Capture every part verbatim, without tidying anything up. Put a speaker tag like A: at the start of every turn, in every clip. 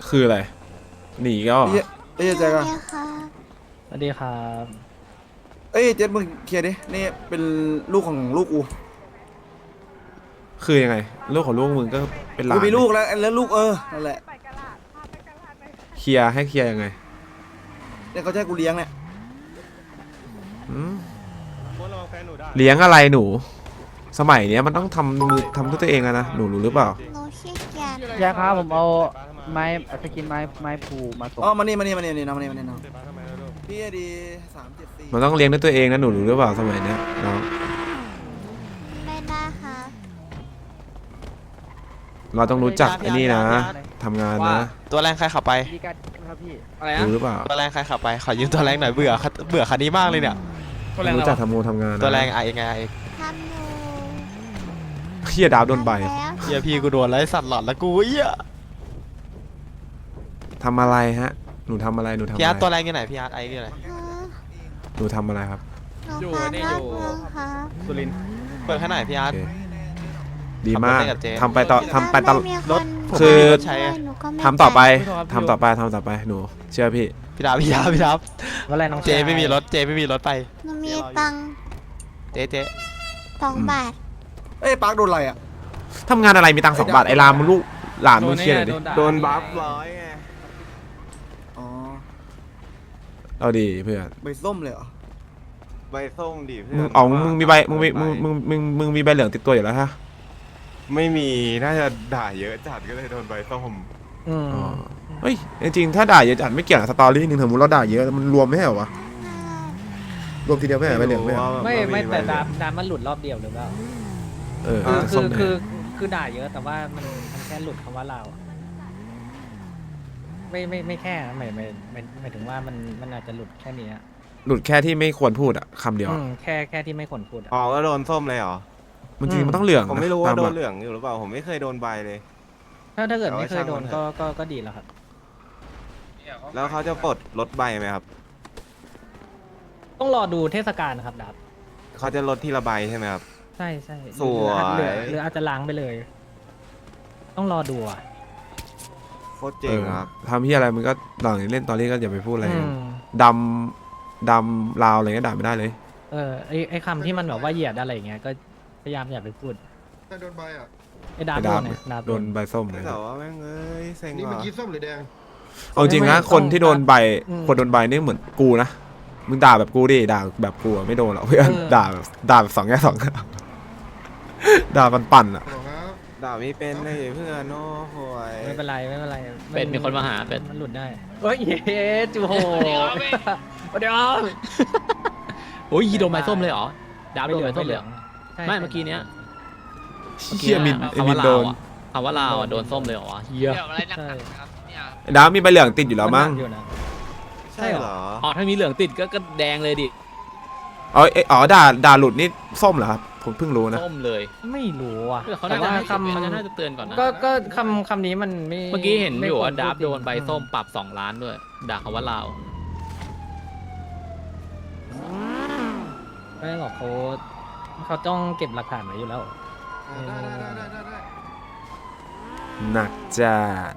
A: คืออะไรหนีก็
B: เอ้ยเอ้ยเจ๊กัน
C: สวัสดีครับ
B: เอ้ยเจ๊มึงเคลียร์ดินี่เป็นลูกของลูกกู
A: คือยังไงลูกของลูกมึงก็เป็นหลาน
B: กูมีลูกแล้วแล้วลูกเออนั่นแหละ
A: เคลียร์ให้เคลียร์ยังไง
B: เนี่ยเขาจะให้กูเลี้ยงเนี่ย
A: อืมเลี้ยงอะไรหนู สมัยเนี้ยมันต้องทำมือทำด้วยตัวเองอะนะหนูรู้หรือเปล่า
D: หนูขี้เกียจ
C: ยาครับผมเอาไม้สกินไม้ไม้ผูมาส่ง
B: อ๋อมานี่มานี่มานี่น้องมานี่มานี่น้องพี่ดีสามเจ็ดสี่
A: มันต้องเลี้ยงด้วยตัวเองนะหนูรู้หรือเปล่าสมัยเนี้ยน้อง
D: ไม่ได้ค่ะ
A: เราต้องรู้จักไอ้นี่นะทำงานนะ
E: ตัวแรงใครขับไป
C: ดีกันครับพี่
F: อะไรนะ
A: รู้หรือเปล่า
E: ตัวแรงใครขับไปขอยืมตัวแรงหน่อยเบื่อเบื่อคันนี้มากเลยเนี่ย
F: คนแรง
A: รู้
F: เรา
A: จักทำงานทำงานนะ
E: ตัวแรงไอ้ไงไอ้
D: ทำอยู่
A: เฮียดาวโดนใบ
D: ทำแล้ว
E: เฮียพี่กูโดนแล้วไอ้สัตว์หลอดแล้วกูเหี้ย
A: ทำอะไรฮะหนูทำอะไรหนูทำอะ
E: พี่อาร์ตตัว
A: ไร
E: แรงอยู่ไหนพี่อาร์ตไอ้นี่อะไร
D: ฮะ
A: หนูทำอะไรครับ
D: หนูพาเลิกเมืองค่ะ
F: สุรินทร์
E: เปิดแค่ไหนพี่อาร์ต
A: โอเคดีมาก
E: ขับรถไปกับเจ๊
A: ทำไปต่อทำไปตลอด
D: ถ้าม่มี
E: รถ
D: คน
A: คือ
D: ช่วยหนูก็ไม่
A: ทำต่อไป
D: ไป
A: ทำต่อไปทำต่อไปหนูเชื่อพี่
E: พี่ดาบพี่ดาบพี่ดาบ
C: ว่าอะไรน้อง
E: เจไม่มีรถเจไม่มีรถไป
D: หนูมีตังค์
E: เจ๊เจ๊
D: สองบาท
B: เอ้ยปาร์คโดนอะไรอ่ะ
A: ทำงานอะไรมีตังค์สองบาทไอ้รามมึงลูกหลานมึงเคลียร์หน่อยดิ
F: โดนบัฟ
E: ร้อยไง
B: อ๋อ
A: เอาดีเพื่อน
B: ใบส้มเลยเหรอ
G: ใบส้มดิเพื่
A: มึ
G: อง น
A: เอามึงมีใบมึงมีมึงมึงมึงมึงมีใบเหลืองติดตัวอยู่แล้วฮะ
G: ไม่มีน่าจะด่าเยอะจัดก็เลยโดนใบส้ม
C: อืม
A: อ๋อเฮ้ยจริงๆถ้าด่าเยอะจัดไม่เกี่ยวกับสตอรี่หนึ่งสมมติเราด่าเยอะมันรวมไม่ใช่เหรอวะรวมทีเดียวไม่ใช่ใบเหลืองไม่ใช่เหรอ
C: ไม่ไม่แต่ดา
G: บ
C: มดามมันหลุดรอบเดียวหรือเปล่า
A: เออ
C: คือ
A: จะ
C: คื
A: ส้
C: อ
A: มแด
C: คือง คือด่าเยอะแต่ว่ามันมันแค่หลุดคำว่าเราอะไม่ไม่ไม่แค่นะหมายหมายหมายหมายถึงว่ามันมันอาจจะหลุดแค่นี้อะ
A: หลุดแค่ที่ไม่ควรพูดอะคำเดียว
C: อื
A: อะ
C: มแค่แค่ที่ไม่ควรพูดอะ
G: อ๋อก็โดนส้มเลยเหรอ
A: มันจริงๆมันต้องเหลือง
G: ผม
A: นะ
G: ไม่รู้ว่า
A: ต
G: โด
A: ห
G: น
A: ลัก
G: เหลืองอยู่หรือเปล่าผมไม่เคยโดนใบเลย
C: ถ้าถ้าเกิด
G: เอาไว้
C: ไม่เคยโดน
G: ช่างมันเถ
C: ก็
G: อะ
C: ก็ก็ดีแล้วครับ
G: แล้วเขาจะปลดลดใบไหมครับ
C: ต้องรอดูเทศกาลนะครับดับ
G: เขาจะลดทีละใบใช่ไหมครับ
C: ใช่ใช่
G: สวย
C: หรือหรือหรืออาจจะล้างไปเลย ต้องรอดูอ่ะ
G: โคตรเจ๋งครับ
A: ทำที่อะไรมันก็หลังเล่นตอนนี้ก็อย่าไปพูดอะไร
C: อืม
A: ดำดำลาวอะไรก็ด่าไม่ได้เลย
C: เออไอไอคำที่มันแบบว่าเหยียดอะไรอย่างเงี้ยก็พยายามอย่าไปพูด
H: โดนใบอ่ะ
C: ไอดาบ
A: ไอ้
C: โด
A: ดาบ
C: นเนี่ยดาบ
A: โดนใบส้มเลย
G: แต่ว่าแม่งเอ้ยเซ็ง
H: นี่
G: ว่ะ
H: เมื่อกี้ส้มหรือแดง
A: เอาจริงนะคนที่โดนใบคนโดนใบนี่เหมือนกูนะมึงด่าแบบกูดิด่าแบบกูอะไม่โดนหรอกเพื่อนด่าแบบด่าแบบสองแง่สอง ด่าปั่นๆอะ
H: หรอครับ
G: ด่าไม่เป็นเลยเพื่อนโอ้โหย
C: ไม่เป็นไรไม่เป็นไร
F: เป็ดมีคนมาหาเป็ด
C: มันหลุดได้เฮ้ยเย้จูโหเดี๋ยวเดี๋ยว
F: โอ้ยโดนใบส้มเลยเหรอดาบโดนใบส้มเลยเหรอ
C: ใช่
F: ไม่เมื่อกี้เนี้ย
A: เฮียมินไอ้
F: คำ
A: มิ
F: ว่าน ลา
A: โด
F: วน อ่ะคำว่าลาวอ่ะโดนส้มเลยเหรอวะเฮีย
C: ใช่
A: ไอ้ดาวมีใบเหลืองติดอยู่แล้วมั้ง
C: นหนักอยู่นะ
G: ใช่เหรอ
F: อ๋อถ้ามีเหลืองติดก็ก็แดงเลยดิ
A: อ๋อเอ้ยอ๋อด่าด่าหลุดนี่ส้มเหรอครับผมเพิ่งรู้นะ
F: ส้มเลย
C: ไม่รู้อ่ะ
F: เขา
C: แต่
F: น่าจะ
C: ว่า
F: ให้
C: คำ
F: เขาจะน่าจะเตือนก่อนนะ
C: ก็ก็คำคำนี้มันไม่
F: เมื่อกี้เห็นอยู่ว่า
C: ไม่ควร
F: ดาบ
C: พูจริง
F: โดนใบส้มปรับสองล้านด้วยด่าคำว่าลาว
C: ไม่หรอกเขาเขาต้องเก็บหลักฐานไว้อยู่แล้ว
H: อ่าได้ได้ได้ได้ได้
A: หนักจัด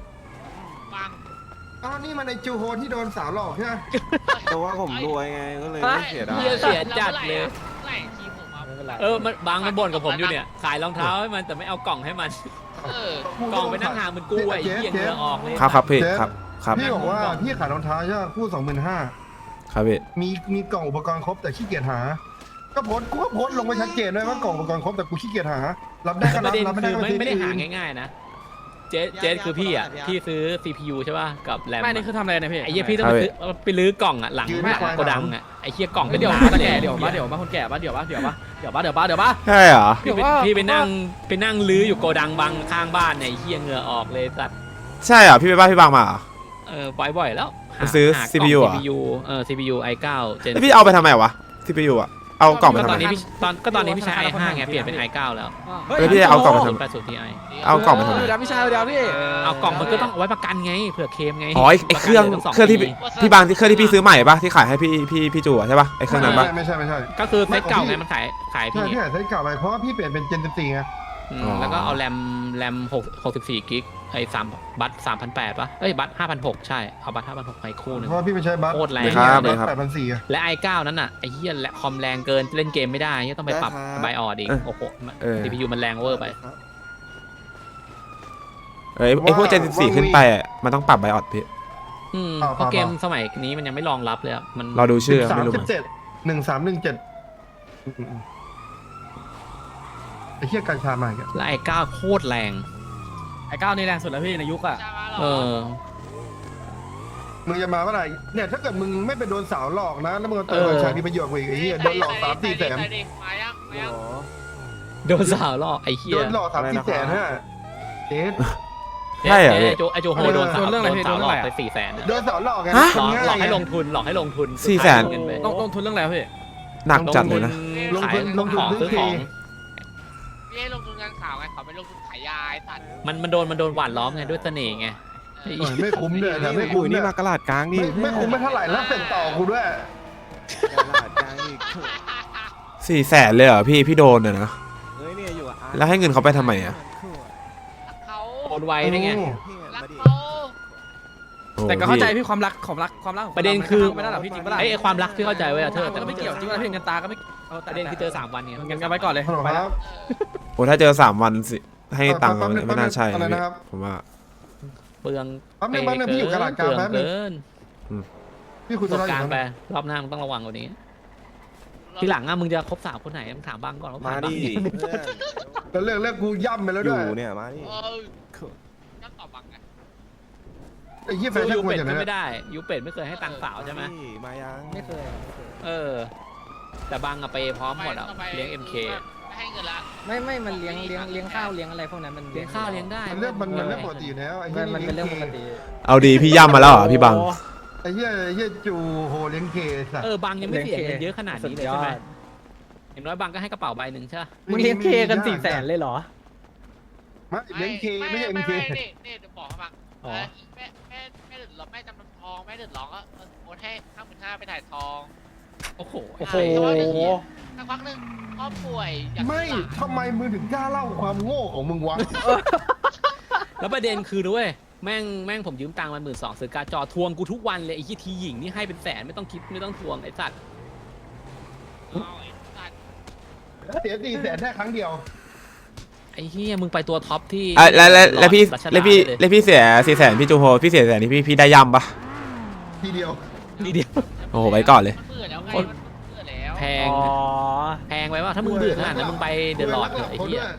H: อ้าวนี่มันในจูโฮที่โดนสาวหลอกใช่ไหม
G: แต่ว่าผมรวยไงก็เลยไม่เสียดาย
F: เฮียเสียจัดเลย
C: ไม่เป็นไร
F: เออมันบางมันบ่นกับผมอยู่เนี่ยขายรองเท้าให้มันแต่ไม่เอากล่องให้มันกล่องไปนั่งหามันกู้ไอ้เหี้ยเหงื่อออกเลย
A: ครับครับพี่ครับครับ
H: พี่บอกว่าพี่ขายรองเท้าใช่ไหมคู่สองหมื่นห้า
A: ครับพี่
H: มีมีกล่องอุปกรณ์ครบแต่ขี้เกียจหา ก็โพสต์กูก็โพสต์ลงไปชัดเจนด้วยว่ากล่องอุปกรณ์ครบแต่กูขี้เกียจหา รับได้ก็
F: ป
H: รั
F: ระ
H: บ
F: เด็น
H: รับไม่ได้
F: คือ
H: ก็
F: ไม่
H: ซื้อ
F: ไม่ได้
H: ที่
F: หา
H: อื่น
F: ง่ายๆนะเจ๊เจ๊คือพี่อ่ะพี่ซื้อ ซี พี ยู ใช่ป่ะกับแรม
I: ไม่นี่คือทำอะไรนะพี่
F: ไอ้เหี้ยพี่ต้องไปซื้อไปลื้อกล่องอ่ะหลังหลังโกดังอ่ะไอ้เหี้ยกล่อง
I: เดี๋ยว
F: ห
I: มา
F: นา
I: แก่
F: ล
I: เดี๋ยวมาเดี๋ยวมาคนแก่ปะเดี๋ยวปะเดี๋ยวปะเดี๋ยวปะเดี๋ยวปะเดี๋ยวปะ
A: ใช่เหรอ
F: พี่ไป
I: เดี๋ยวว่า
F: พี่ไปนั่งไปนั่งลื้ออยู่โกดังบังข้างบ้านเนี่ยไอ้เหี้ยเหงื่อออกเลยสัตว์
A: ใช่เหรอพี่ไปบ้านพี่บางมาเหรอ
F: เออบ่อยๆแล้วหา
A: ไปซื้อ
F: หากล่ง
A: ซี พี ยู เหรอ
F: ซี พี ยู เออ ซี พี ยู ไอ เก้า เจน
A: แล้วพี่เอาไปทำไมวะที่ไปอยู่อะเอากล่องไป
F: ก็
A: ทำ
F: ตอ
A: ไม
F: นนี้พี่ตอนก็ตอนนี้พี่ใช้ ไอ ห้า ไงเปลี่ยนเป็น ไอ เก้า แล้ว
A: แล้วพี่จะเอากล่องไปทำไม
F: แปดสิบ ที ไอ
A: เอากล่องไปทำไม
I: เดี๋ยวพี่ชายเดี๋ยวพี่
F: เอากล่องมันก็ต้องเอาไว้ประกันไงเผื่อเคลมไง
A: อ๋อไอ้ไอ้เครื่อง
F: ประกันลยตั้ส
A: เครื่องที่
F: ปี
A: พี่บางที่เครื่องที่พี่ซื้อใหม่ปะที่ขายให้พี่พี่พี่จูอะใช่ปะไอ้เครื่องนั้นปะ
H: ไม่ใช่ไม่ใช่
F: ก็คือเซตเก่าไงมันขายขาย
H: ใช่
F: พี่
H: พี่ขายใช้เก่าไปเพราะว่าพี่เปลี่ยนเป็นเจนสิบสี่ไง
F: อืม
A: อ๋อ
F: แล้วก็เอาแรมแรมหกหกสิบสี่กิกไอ้สามบัตรสามพันแปดปะเอ้ยบัตรห้าพันหกใช่เอาบัตรห้าพันหกไปคู่หนึ่ง
H: เพราะว่าพี่ไม่ใช้บัฟ
F: โคตรแรง
A: ครับ
F: เลย
H: แปดพันสี่
F: และไอเก้านั้นอ่ะไอ้เหี้ยและคอมแรงเกินเล่นเกมไม่ได้เหี้ยต้องไปปรับไบออดอีกโอ้โห
A: เออ
F: ซี พี ยู มันแรงเวอร์ไป
A: เอ้ยไอพวกเจนสิบสี่ขึ้นไปอะมันต้องปรับไบออดพี่
F: อืมเพราะเกมสมัยนี้มันยังไม่รองรับเลยอะมัน
A: เราดูชื่อ
H: สา
A: ไม่
H: ม
A: รู้
H: สิ
A: มั้
H: บ
A: ง
H: เจ็ดหนึ่งสามหนึ่งเจ็ดไอ้เหี้ยกัญชามาอีกแล้ว
F: และไอเก้าโคตรแรง
I: ไอ้ก้าวนี่แรงสุดแล้วพี่ในยุคอ่ะ
F: เออ
H: มึงจะมาเมื่อไหร่เนี่ยถ้าเกิดมึงไม่ไปโดนสาวหลอกนะแล้วมึงเอาเติมกัญชาที่ประโยชน์กว่าอีกไอ้เหี้ยโดนหลอกสามสี่แสน
F: โดนสาวล่อไอ้เหี้
H: โด
F: ย
H: นหลอกสามสี่แสนฮะเจ๊
A: ใช่เหรอ
F: ไอ้
A: พี่
F: ไอโจไอโจโฮโดนสาวโดนสาวหลอกไปสี่แสน
H: โดนสาวหลอกไง
A: ฮะ
F: หลอก
H: ง่าย
F: หลอกให้
H: ไง
F: ลงทุนหลอกให้ลงทุน
A: สี่แสน
F: เงินไป
I: ต้องลงทุนเรื่องอะไรวะพี่
A: หนักจัดเลยนะ
H: ลงทุน
F: ขาย
H: ลงทุน
F: ของ
H: ซื้
F: ซื้
H: อ
F: อ
H: ที
F: ของ
J: พี่ให้ลงทุนงานข่าวไงเขาไปลงทุนขายยาไอ้สัตว์
F: มันมันโดนมันโดนหวานล้อมไงด้วยเสน่ห์ไง
H: โอ้ยไม่คุ้มเลยนะไม่
G: กู
H: คุ้ม
G: นี่
H: เนี่ย
G: มากระลาดกลางดิ
H: ไม่ไม่คุ้มไม่เท่าไหร่แล้วเสร็จต่อกูด้วย
G: กระลาดกลางอีก
A: สี่แสนเลยเหรอพี่พี่โดนอะนะ
G: เฮ้ยเนี่ยอยู่อ่ะ
A: แล้วให้เงินเขาไปทำไมอะ
J: รักเขา
F: โอนไวได้ไง
J: รัก
G: มาดิ
J: เขา
A: โอ้
I: แต่ก็เข้าใจ
A: พี่
I: พี่ความรักความรักความรักของ
F: ประเด็นคือ
I: ไม่ได้หรอกพี่จริงปะล่ะ
F: ไอ้ไอ้ความรักที่เข้าใจไว้อะเธอ
I: แต่
F: แต่
I: ก็ไม่เกี่ยวจริงปะล่ะพี่เงินตาก็ไม่เอา
F: ประเด็นคือเจอสามวันไง
I: เงินกันไว้ก่อนเลย
H: ฮัลโหล
I: ไป
H: ค
I: แล้ว
H: รับ
A: โอ้ถ้าเจอสามวันสิให้ตังค์
H: แป๊บนึง
A: ไม่น่าใช่
H: อะไร
A: นะ
H: นะครับ
A: ผมว่า
F: เปลือง
H: แป๊บนึงแป๊บนึงพี่อยู่กระดาษกลาง
F: เปลื
H: แป๊บนึง
F: เกิน
H: พี่คุย
F: ป
H: ธุ
F: ระส
H: ระ
F: บ
H: อยู่
F: การณ์ไป
H: นะ
F: รอบหน้ามึงต้องระวังกว่านี้ ทีหลังอะมึงจะคบสาวคนไหนมึงถามบ้างก่อนว่า
G: มา
F: ผ่านบ้าง
G: ดิ
F: ยัง
G: เพื่อน
H: แล้วเรื่องเรื่องกูย่ำไปแล้ว
G: อ
H: ด้วย
G: ยู่เนี่ยมาดิ
J: เออนั่งตอบบังไง
H: ไอ้เหี้ยแฟ
F: สู้
H: ชั่น
F: ยู
H: กู
F: เป็ด
H: อย่าง
F: ก็
H: นั้น
F: ไม่ได้ยูเป็ดไม่เคยให้ตังค์สาวใช่ไหม
G: ดิมายัง
C: ไม่เคย
F: เออ แต่บางอะไปพร้อมหมดอะ
J: ต่ไป
F: เลี้ยง เอ็ม เค
J: ไม่ให้เงินละ
C: ไม่ไม่มันเลี้ยงเลี้ยงเลี้ยงข้าวเลี้ยงอะไรพวกนั้นมัน
F: เลี้ยงข้าวเลี้ยงได้
H: มันเรื่องมันมันเรื่องปกติอยู่แล้วไอ้
C: มั
H: เหี้ย
C: นมันเป็นเรื่องปกติ
A: เอาดีพี่ย่ำมาแล้วเหรอพี่บัง
H: ไอ้เหี้ยไอ้เหี้ยจูโหเลี้ยงเคสัตว์
F: เออบางยังไม่เสียเงินเยอะขนาดนี้เลยใช่ไหม
C: สุดยอด
F: อย่างน้อยบางก็ให้กระเป๋าใบหนึ่งใช่ปะ
C: มึงเลี้ยงเคกันสี่แสนเลยเหรอ
H: ไม่เลี้ยงเคไม่ใช่เอ็มเค
J: ไม่นี่นี่เดี๋ยวบอกให้ฟัง
C: อ๋อ
J: แม่แม่แม่เดือดร้อนแม่จำนำทองแม่เดือดร้อนก็โอนให้ห้าหมื่นห้าไปถ่ายทอง
F: โอ้โห
C: โอ้โห
J: สักพักหนึ่งพ่อป่วยอยาก
H: ไม่
J: ซื้อ
H: ทำไมมึงถึงกล้าเล่าความโง่ของมึงวะ
F: แล้วประเด็นคือด้วยแม่งแม่งผมยืมตังค์มันหมื่นสองซื้อการ์ดจอทวงกูทุกวันเลยไอ้ยี่ทีหญิงนี่ให้เป็นแสนไม่ต้องคิดไม่ต้องทวงไอ้สัตว์
J: เอาไอ้สัตว์
H: เสียสี่แสนแค่ครั้งเดียว
F: ไอ้เฮียมึงไปตัวท็อปที่
A: อ่ะแล้วแล้วแล้วพี่
F: รัชดา
A: แล้วพี่
F: เลย
A: แล้วพี่เสียสี่แสนพี่จูโฮพี่เสียแสนนี่พี่พี่ได้ย่ำปะ
H: ทีเดียว
F: ทีเดียว
A: โอ้โหไว้ก่อนเลย
J: มันเบื่อแล้วไง
F: คน
J: มันเบื่อแล้ว
F: แพง
C: อ๋อ
F: แพงไปว่าถ้ามึงเบื่อขนาดนั้นมึงไปเดอะลอดเถอะไอ้เหี้ย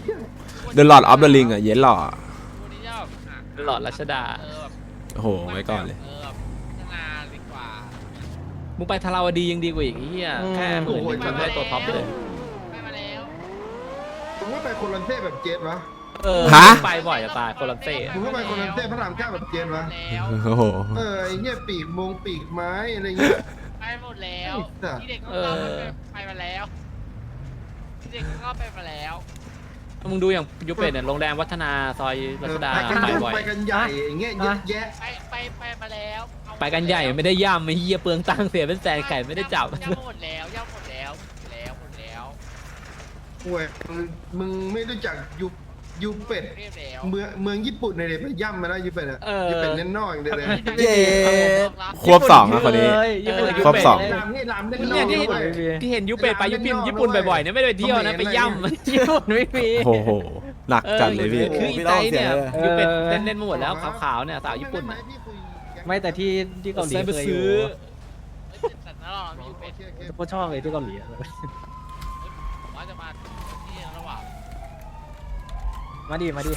A: The Lord of the Ring อ่ะเย็นหล่อ
J: วันนี้จะแบบอ่ะ
F: เดอะลอดรัชดา
J: เออแบบ
A: โอ้โหไว้ก่อนเลย
J: เออแบบพัฒนาดีกว่า
F: มึงไปทาราวดียังดีกว่าอีกไอ้เหี้ยแค่หมื่นหนึ่งมึงได้ตัวท็อปเลย
J: ไปมาแล้ว
H: มึงก็ไปโคลันเซ่แบบเจนวะ
F: เออ
A: ฮะ
F: ไปบ่อยจะตายโคลัมเซ่
H: มึงก็ไปโคลันเซ่พระรามเก้าแบบเจนวะ
J: แล้ว
A: โอ้โห
H: เออไอ้เหี้ยปีกมงปีกไม้อะไรเงี้ย
J: ไปหมดแล้ว
H: ไอ้สัส
J: ที่เด็กก็เข้าไปไปมาแล้วที่เด็กก็เข้าไปมาแล้ว
F: มึงดูอย่างยูเป็ดเนี่ยโรงแรมวัฒนาซอยรัชดา
H: ไปกัน
F: ไป
H: ยุ่ง
F: บ่อย
H: ไปกันใหญ่อย่างเงี้ยเยอะแยะ
J: ไปไปไปมาแล้วเอา
F: ไปกันใหญ่ไม่ได้ย่ำไม่เหี้ยเปลืองตังค์เสียเป็นแสนไก่ไม่ได้จับ
J: ย่ำหมดแล้วย่ำหมดแล้วหมดแล้วหมดแล้ว
H: โอ้ยมึงมึงไม่รู้จักยูยูเป็ด
J: เรียบแล้ว
H: เมืองเมืองญี่ปุ่นเลยไปย่ำมาแล้วยูเป็ดอะ
F: เออ
H: ยูเป็ดเน้นนอกอย่างเดียวเลย
A: เย้ ควบสองอะคนนี้
F: ญี่ปุ่น
A: ครบสอง
H: ลามนี่ลามเล่นน
F: เนี่
H: อย ก
F: ที่
H: ด้วย
F: ที่เห็นยูเป็ดไปญี่ปุ่นญี่ปุ่นบ่อยๆเนี่ยไม่ได้ไปเที่ยวนะไปย่ำ
C: ญี่ปุ่นไม่มี
A: โอ้โหหนักจัดเลยพี่
F: คืออีไตเนี่ยยูเป็ดเล่นเล่นๆมาหมดแล้วขาวๆเนี่ยสาวญี่ปุ่น
H: ไม่
F: น่ะ
H: ไม่พี่คุย
C: ไม่แต่ที่ที่เกาหลี
F: ไป
C: เคยอ
F: ซื้
C: ยู่
F: อ
J: แต่นั่นหรอมีอยู่เป็น
C: ก็ชอบเลยที่เกาหลีอะ
J: ผมว่าจะมาที่ระหว่าง
C: มาดิมาดิ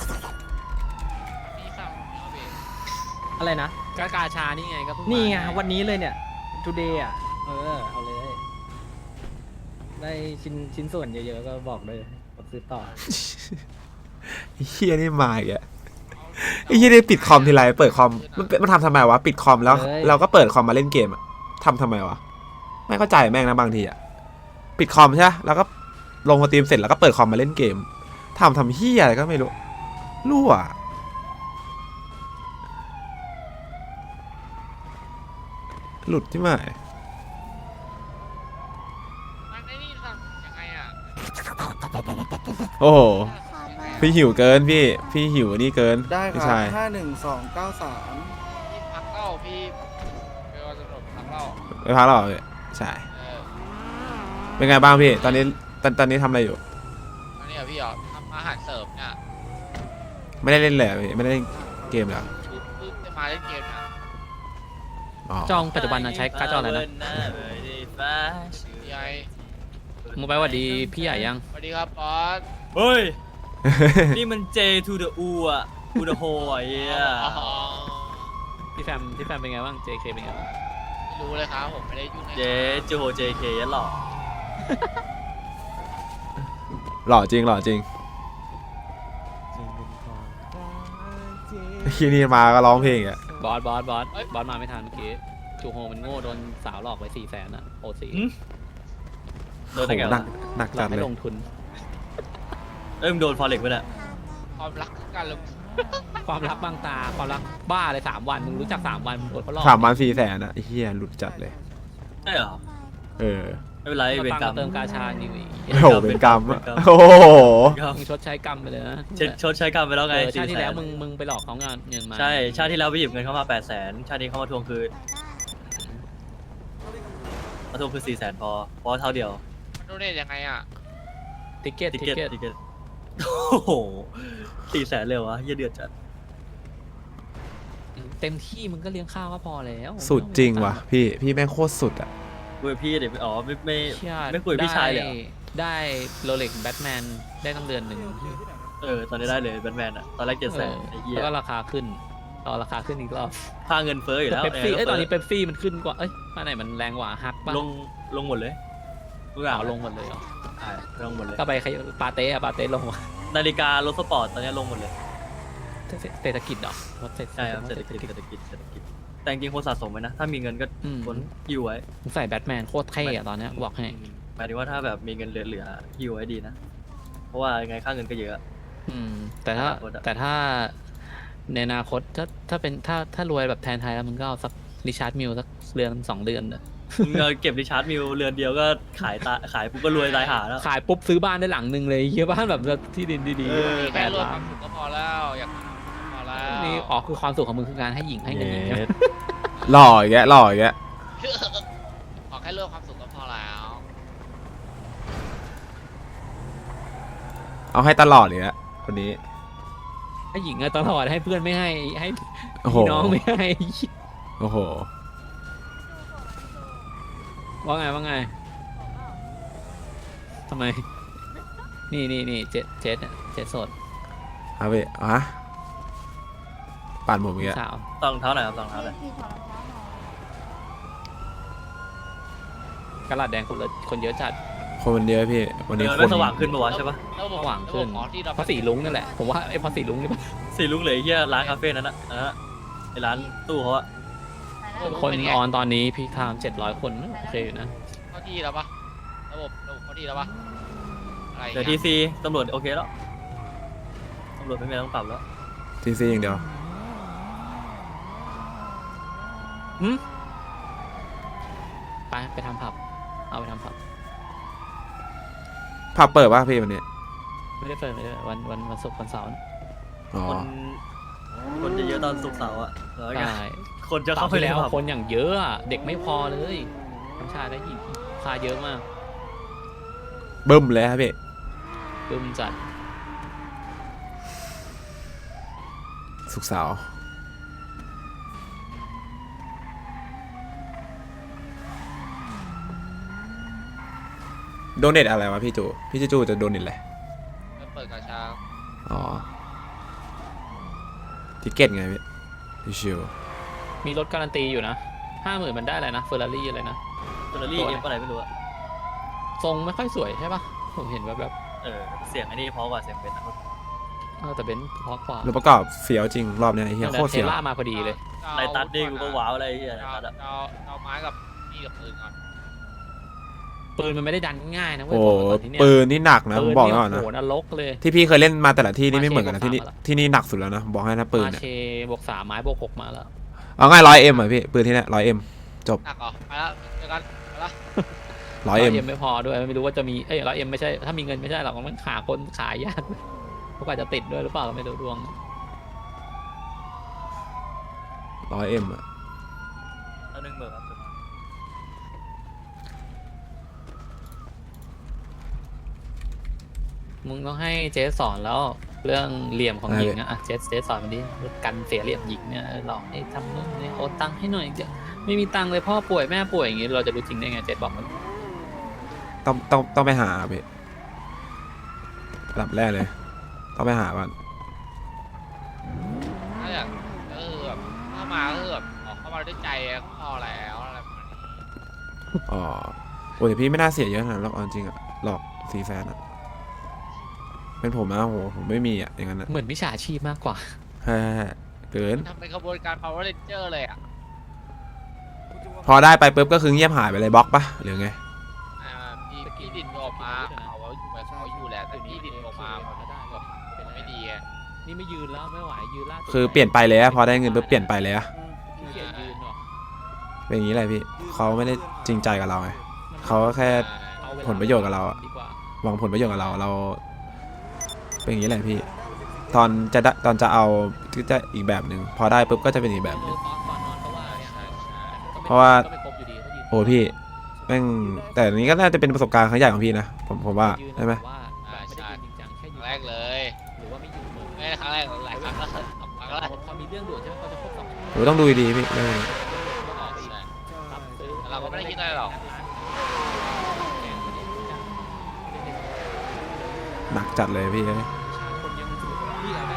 J: มีสั่งเอาเบร
C: อะไรนะ
F: กากาชานี่ไงก็เพิ่งมา
C: นี่ไงวันนี้เลยเนี่ย today อ่ะ เออ เอาเลย ได้ชิ้นชิ้นส่วนเยอะๆก็บอกเลยบอกซื้อต่อ
A: ไอ้เฮียนี่มาอีกอะไอ้เฮียนี่ปิดคอมทีไรเปิดคอมมันเป็นมันทำทำไมวะปิดคอมแล้ว
C: เฮ้ย
A: เราก็เปิดคอมมาเล่นเกมอะทำทำไมวะไม่เข้าใจแม่งนะบางทีอะปิดคอมใช่ไหมแล้วก็ลงสตรีมเสร็จแล้วก็เปิดคอมมาเล่นเกมทำทำเฮียอะไรก็ไม่รู้รั่วหลุดที่ไหน
J: มันไอ้นี่สั่งยังไงอ่ะ
A: โอ้โห
D: ขอเบอร์
A: พี่หิวเกินพี่พี่หิวนี่เกิน
B: ได้ค
A: พี่
B: รับ
A: ชาย
B: ห้าหนึ่งสองเก้าสาม
J: พี่พักเล่าพี่เป็นวันตำรวจพักเล่า
A: ไปพักแล้วเหรอพี่ใช่
J: เออ
A: เป็นไงบ้างพี่ตอนนี้ตอนตอนนี้ทำอะไรอยู่
J: อันนี้อะพี่เหรอทำอาหารเสริมเนี่ย
A: ไม่ได้เล่นเลยเหรอพี่ไม่ได้เล่นเกมเหรอ
J: เพิ่งเพิ่งจะมาเล่นเกมเนี่ย
A: อ๋อ
F: จองปัจจุบันนะใช้การ์ดจออะไรนะ
J: พี่ไอ
F: มึงไปหวัดดีพี่ใหญ่ยัง
J: สวัสดีครับบอส
I: เฮ้ย นี่มัน J to the U อ่ะ U the ho อ่ะเฮีย
J: อ๋อ
F: พี่แฟมพี่แฟมเป็นไงบ้าง เจ เค เป็นไงบ้าง
J: ไม่รู้เลยครับผมไม่ได้ยุ่งใน
I: เจจูโฮ เจ เค ยันหรอ
A: หล่อจริงหล่อจริงที่นี่มาก็ร้องเพลงอ่ะ
F: บอสบอสบอสบอสมาไม่ทันเมื่อกี้จูโฮมันโง่โดนสาวหลอกไปสี่แสนอะโอซี
I: โดนได้ไง
A: โหหนักหนัก
F: เรา
A: จัด
F: ไม่
A: เลย
F: ลงทุน
I: เอ้ยมึงโดนฟอเร็กไปเนี่ย
J: ความรักคือการลงทุน
F: ความรักบางตาความรักบ้าเลยสามวันมึงรู้จักสามวันมึงโดนเขาหลอก
A: สามวันสี่แสนอ่ะไอ้เฮียหลุดจัดเลย
I: ใช่เหรอ
A: เออ
I: ไม่เป็นไร
F: มา
I: เป็น
F: ตัง
I: กรร
F: มาม เติมกาชานี่วิ
A: โอ้โหเป็นกรรมอะ
I: เป็นกรรม
A: โอ้โห
F: มึงชดใช้กรรมไปเลยนะ
I: เช็ดชดใช้กรรมไปแล้วไง
F: เออชาติที่แล้ว
I: สี่สน
F: มึงมึงไปหลอกเขาเงินเงินมา
I: ใช่ชาติที่แล้วไปหยิบเงินเข้ามาแปดแสนชาตินี้เขามาทวงคืนมาทวงคืนสี่แสนพอเพราะเท่าเดียว
J: มันโดเนทยังไงอ่ะ
F: ติเก็ต
I: ติ
F: ติ
I: เก็ต
F: เก็ต
I: ติเก็ตโอ้โหสี่แสนเลยวะเหี้ยเดือดจัด
F: เต็มที่มึงก็เลี้ยงข้าวก็พอแล้ว
A: สุดจริงว่ะพี่พี่แม่งโคตรสุดอ่ะ
I: คุยกับพี่เดี๋ยวอ๋อไม่ไม่
F: เชี่ย
I: ไม่คุยกับพี่ชายเลยเหรอ
F: ได้ได้โรเล็กแบทแมนได้ตั้งเดือนหนึ่ง
I: เออตอนนี้ได้เลยแบทแมนอ่ะตอนแรกเจ็ดแสน
F: เออ
I: ไอ้เหี้ย
F: แล้วก็ราคาขึ้นรอราคาขึ้นอีกรอบ
I: ค่าเงินเฟ้ออยู่แล้ว
F: เป๊ปซี่
I: ยังไง
F: เอ้ย
I: ก็
F: ตอนนี้
I: เฟ้
F: เป๊ปซี่มันขึ้นกว่าเอ้ยมาไหนมันแรงกว่าฮักป่ะ
I: ลงลงหมดเลยทุกอ
F: อ๋
I: ย่าง
F: อลงหมดเลยเหรอ
I: ใช่ลงหมดเลย
F: ก็ไปขยปาเต้อะปาเต้ลงว่ะ
I: นาฬิการถสปอร์ตตอนนี้ลงหมดเลย
F: เศรษฐกิจเหรอรถเศรษฐ
I: ใช่ครับเศรษฐกิจเศรษฐกิจเศรษฐกิจแต่จริงๆควรสะสมไว้นะถ้ามีเงินก็
F: อืม
I: ควรหิ้วไว้
F: ผมใส่แบทแมนโคตรเท่อะตอนเนี้ยบอกให้
I: หมายถึงว่าถ้าแบบมีเงินเหลือๆหิ้วไว้ดีนะเพราะว่ายังไงค่าเงินก็เยอะ
F: อืมแต่ถ้า
I: อนาคตอะ
F: แต่ถ้าในอนาคตถ้าถ้าเป็นถ้าถ้ารวยแบบแทนไทยแล้วมึงก็เอาสักริชาร์ดมิลสักเดือนสองเดือนอะ
I: มึงเอาเก็บริชาร์ดมิลเรือนเดียวก็ขายตาขายปุ๊บก็รวยตายหาแล้ว
F: ขายปุ๊บซื้อบ้านได้หลังหนึ่งเลยเฮียบ้านแบบที่ดินดี
I: เออ
F: ๆแป
J: แค่
F: ด
J: รวม
F: ล้า
J: คน วามสุขก็พอแล้วอยากพอแล้ว
F: นี่อ๋อคือความสุขของมึงคือการให้หญิงให้เงินหญิงใช่ไหม
A: หล่ออีกแกหล่ออีกแก
J: ขอแค่เรื่องความสุขก็พอแล้ว
A: เอาให้ตลอดเลยอะคนนี้
F: ให้หญิงอะตลอดให้เพื่อนไม่ให้ให้
A: โอ้โห
F: พี่น้องไม่ให้
A: โอ้โห
F: ว่าไงว่าไงทำไม นี่นี่นี่เจ็ดเจ็ดอะเจ็ดสด
A: เอาไปอ่ะปั่นผมอีกแก
F: สาว
I: ตองเท้าไหนอยครับตองเท้าไหนอย
F: กระดาษแดงคนละคนเยอะจัด
A: คนมันเยอะพี่วันนี้
I: เออ
A: ค
I: ไม่
A: น
I: สว่างขึ้นปะวะใช่ปะ
J: ระบบ
F: สว่างขึ้น
J: ระบบหมอที่เรา
F: เพราะสีลุงนั่นแหละผมว่าไอ้เพราะสีลุงนี่ปะ
I: สีลุงเหลยเฮียร้านคาเฟ่นั้นนะอันนั้นอะไอร้านตู้เขาอะ
F: คนออนตอนนี้พีคไทม์เจ็ดร้อยคนโอเคอยู่นะ
J: เข้าที่แล้วปะระบบระบบเข้าที่แล้วปะอะไร
I: เดี๋ยวทีซีตำรวจโอเคแล้วตำรวจไม่มีอะไรต้องปรับแล้ว
A: ทีซีอย่างเดียว
F: หืมไปไปทำผับเอาไปทำผับ
A: ผับเปิดป่ะพี่วันนี้
F: ไม่ได้เปิดไม่ได้เปิดวันวันวันศุกร์วันเสาร์นะ
A: อ๋อ
I: คนคนจะเยอะตอนศุกร์เสาร์อะแล้วไง
F: ใช่
I: คนจะ
F: เสา
I: เข้า
F: ร์
I: ไป
F: ที่
I: แล้
F: แล้ว วคนอย่างเยอะอะเด็กไม่พอเลยทั้งชายและหญิงพาเยอะมาก
A: บึ้มเลยครับพี่
F: บึ้มจัด
A: สุกร์เสาร์โดเนทอะไรวะพี่จูพี่จูจะโดเนทอะไร
J: แล้วเปิดกระชา
A: อ๋อทิเก็ตไงพี่ชิว
F: มีรถการันตีอยู่นะห้าหมื่นมันได้อะไรนะเฟอร์รารี่อะไรนะ
I: เฟอร์รารี่เอ็มอะไรไม่รู้อะ
F: ทรงไม่ค่อยสวยใช่ปะผมเห็นแบบแบบ
I: เออเสียงไอ้นี่เพราะกว่าเสียงเป็นนะ
F: เออแต่เบนซ์เพราะกว่า
A: ๆรถประกอบเฟี้ยวจริงรอบเนี้ยไอ้เหี้ยโคตร
F: เท
A: เฟี้ยว
F: ล่ามาพอดีเลย
I: ในตัดนี่กูก็ว้าวอะไรไอ้เฮียใน
J: เอา
I: ตัดอะ
J: เอาเอาไม้กับมีดกับปืนก่อน
F: ปืนมันไม่ได้ดันง่ายนะเว้ย
A: โอ้
F: บอกไว้ก่อนที่เนี่ย
A: ปืนนี่หนักนะผมบอกไว้ก่อน
F: โอ้
A: นะ
F: โหนรกเลย
A: ที่พี่เคยเล่นมาแต่ละที่นี่ไม่เหมือนกันนะ
F: มาเช
A: ที่นี่
F: บวกสามมาละ
A: ที่นี่หนักสุดแล้วนะบอกให้นะปืน
F: มา
A: เนี่ย
F: เชบวกสามไม้บวกหกมาแล้ว
A: เอาง่ายร้อยเอ็มอ่ะพี่ปืนที่เนี่ยร้อยเอ็ม
J: หนักเหรอไปแล้วเจอกันไปแล้ว
A: ร้อยเอ็ม
F: ไม่พอด้วยไม่รู้ว่าจะมีเอ้ยร้อยเอ็มไม่ใช่ถ้ามีเงินไม่ใช่หรอกมันหาคนขายยากเขาอาจจะติดด้วยหรือเปล่าก็ไม่รู้ดวง
A: ร้อยเอ็มอะ
I: เอาหนึ่งเบอร์ครับ
F: มึงต้องให้เจสสอนแล้วเรื่องเหลี่ยมของหญิงอะอ่ะเจสเจสสอนมันดิกันเสียเหลี่ยมหญิงเนี่ยเออหลอกให้ทำนู่นนี่โอนตังค์ให้หน่อยเดี๋ยวไม่มีตังค์เลยพ่อป่วยแม่ป่วยอย่างงี้เราจะรู้จริงได้ไงเจสบอกมัน
A: ต้องต้องต้องไปหาพี่ระดับแรกเลย ต้องไปหาก่อน
J: ถ้าอยากก็คือแบบเข้ามาก็คือแบบออกเข้ามาด้วยใจก็พอแล้วอะไรประมาณนี้
A: อ๋อโอ้ยแต่พี่ไม่น่าเสียเยอะขนาดนั้นหรอกเอาจริงอะหลอกสี่แสนอะเป็นผมนะโหผมไม่มีอะอย่างนั้นอะ
F: เหมือนมิจฉาชีพมากกว่า
A: แฮ่เกิน
J: ทำเป็นขบวนการ power ranger เลยอ่ะ
A: พอได้ไปปุ๊บก็คือเงียบหายไปเลยบล็อกปะหรือไง
J: อ่าพี่พี่ดินออกมาเอาไว้อยู่แบบเขาอยู่แหละแต่พี่ดินออกมาแบบไม่ดีไง
F: นี่ไม่ยืนแล้วไม่ไหวยืนล่าสุด
A: คือเปลี่ยนไปเลยอะพอได้เงินปุ๊บเปลี่ยนไปเลยอะ
F: ขี้เกียจยืนหรอ
A: เป็นอย่างนี้เลยพี่เขาไม่ได้จริงใจกับเราไงเขาก็แค่
F: เอาเวลา
A: ผลประโยชน์กับเราอะ
F: ดีกว่า
A: หวังผลประโยชน์กับเราเรา เป็นอย่างนี้แหละพี่ ตอนจะได้ตอนจะเอาก็จะอีกแบบหนึ่งพอได้ปุ๊บก็จะเป็นอีกแบบหนึ่ง
F: ตอนตอนนอนก็ว่าเนี่ย
A: เพราะว่า
F: ก็ไม่ครบอยู่ดีถ้ายืน
A: โอ้พี่แม่งแต่อันนี้ก็น่าจะเป็นประสบการณ์ครั้งใหญ่ของพี่นะผมผมว่า
F: ยืน
A: ใช่ไหม
F: แบบว่าแบบไม่ได้ยืนจริงจังแค่
J: ค
F: ยื
J: รั้
F: น
J: งแรกเลย
F: หรือว่าไม่ยืนมือ
J: ไม่ได้ครั้งแรกหลายครั้งแล้วสองครั้งแล้ว
F: พอมีเรื่องด่วนใช่ไหมเขาจะครบสองชั่วโมง
A: โอ้ต้องดูดีๆพี่เรื่องนี้
F: ก็ออกไปอีก
J: ใช่
F: ปรับซื้อ
J: แต่เราก็ไม่ได้คิดอะไรหรอก
A: หนักจัดเลยพี่เอ้ย
F: คนยังถือว่าพี่เอาได้